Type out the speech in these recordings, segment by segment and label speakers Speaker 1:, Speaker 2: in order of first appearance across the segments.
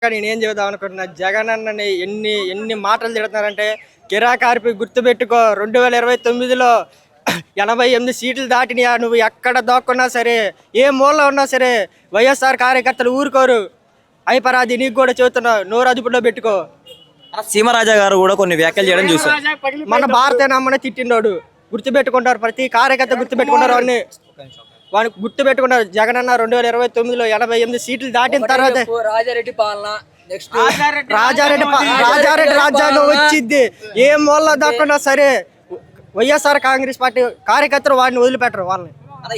Speaker 1: నేనేం చెబుదాం అనుకుంటున్నా, జగన్ అన్నని ఎన్ని ఎన్ని మాటలు తిడుతున్నారంటే, కిరాకార్పి గుర్తుపెట్టుకో 2029లో 88 సీట్లు దాటినాయా, నువ్వు ఎక్కడ దాక్కున్నా సరే, ఏ మూలలో ఉన్నా సరే వైఎస్ఆర్ కార్యకర్తలు ఊరుకోరు. అయిపరాది నీకు కూడా చెబుతున్నా, నోరు అదుపులో పెట్టుకో.
Speaker 2: సీమరాజా గారు కూడా కొన్ని వ్యాఖ్యలు చేయడం చూసాం.
Speaker 1: మన భారతీయ నమ్మని తిట్టిండోడు గుర్తుపెట్టుకుంటారు, ప్రతి కార్యకర్త గుర్తుపెట్టుకుంటారు. వాడిని గుర్తుపెట్టుకుంటారు. జగన్ అన్న 2029లో 88 సీట్లు దాటిన తర్వాత
Speaker 3: రాజారెడ్డి పాలన, నెక్స్ట్
Speaker 1: రాజారెడ్డి రాజ్యాంగం వచ్చింది. ఏ మూలలో దాక్కున్నా సరే వైఎస్ఆర్ కాంగ్రెస్ పార్టీ కార్యకర్తలు వాడిని వదిలిపెట్టరు. వాళ్ళని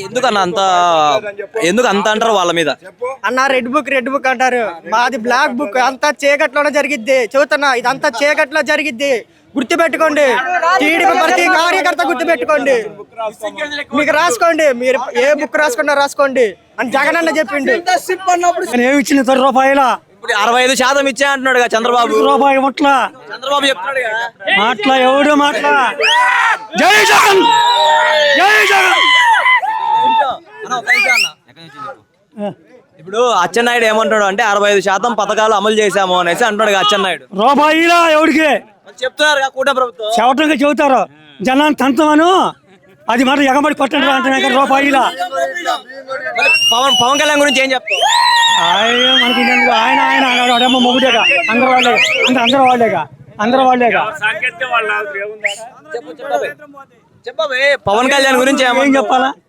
Speaker 2: ఎందుకు అంత అంటారు వాళ్ళ మీద?
Speaker 1: అన్న రెడ్ బుక్ అంటారు, మాది బ్లాక్ బుక్. అంతా చీకట్లోనే జరిగిద్ది. చెబుతున్నా, ఇదంతా చీకట్లో జరిగిద్ది. గుర్తుపెట్టుకోండి, టీడీపీ ప్రతి కార్యకర్త గుర్తుపెట్టుకోండి. మీకు రాసుకోండి, మీరు ఏ బుక్ రాసుకున్నా రాసుకోండి అని జగన్ అన్న చెప్పిండు.
Speaker 4: ఏమి ఇచ్చిన రూపాయల
Speaker 2: ఇప్పుడు 65% ఇచ్చే అంటున్నాడు చంద్రబాబు.
Speaker 4: రూపాయి ముట్ల
Speaker 2: చంద్రబాబు చెప్తున్నాడు
Speaker 4: మాట్లా ఎవడు మాట్లా. జై జగన్, జై జగన్.
Speaker 2: ఇప్పుడు అచ్చెన్నాయుడు ఏమంటాడు అంటే 65% పథకాలు అమలు చేశాము అనేసి అంటున్నాడు అచ్చెన్నాయుడు.
Speaker 4: రూపాయిలా ఎవడికి
Speaker 2: చెప్తున్నారు కూటమి ప్రభుత్వం,
Speaker 4: చెవటంగా చెబుతారు. జనాన్ని తంతమను, అది మాట ఎగబడి పట్టండి అంటున్నా. రూపాయిలా
Speaker 2: పవన్ కళ్యాణ్ గురించి ఏం చెప్తావు?
Speaker 4: మనకి ఆయన ఆయన అడమ్మ మొగుడేగా, అందరూ వాళ్ళేగా.
Speaker 2: చెప్పబోయే పవన్ కళ్యాణ్ గురించి
Speaker 4: ఏం చెప్పాలా?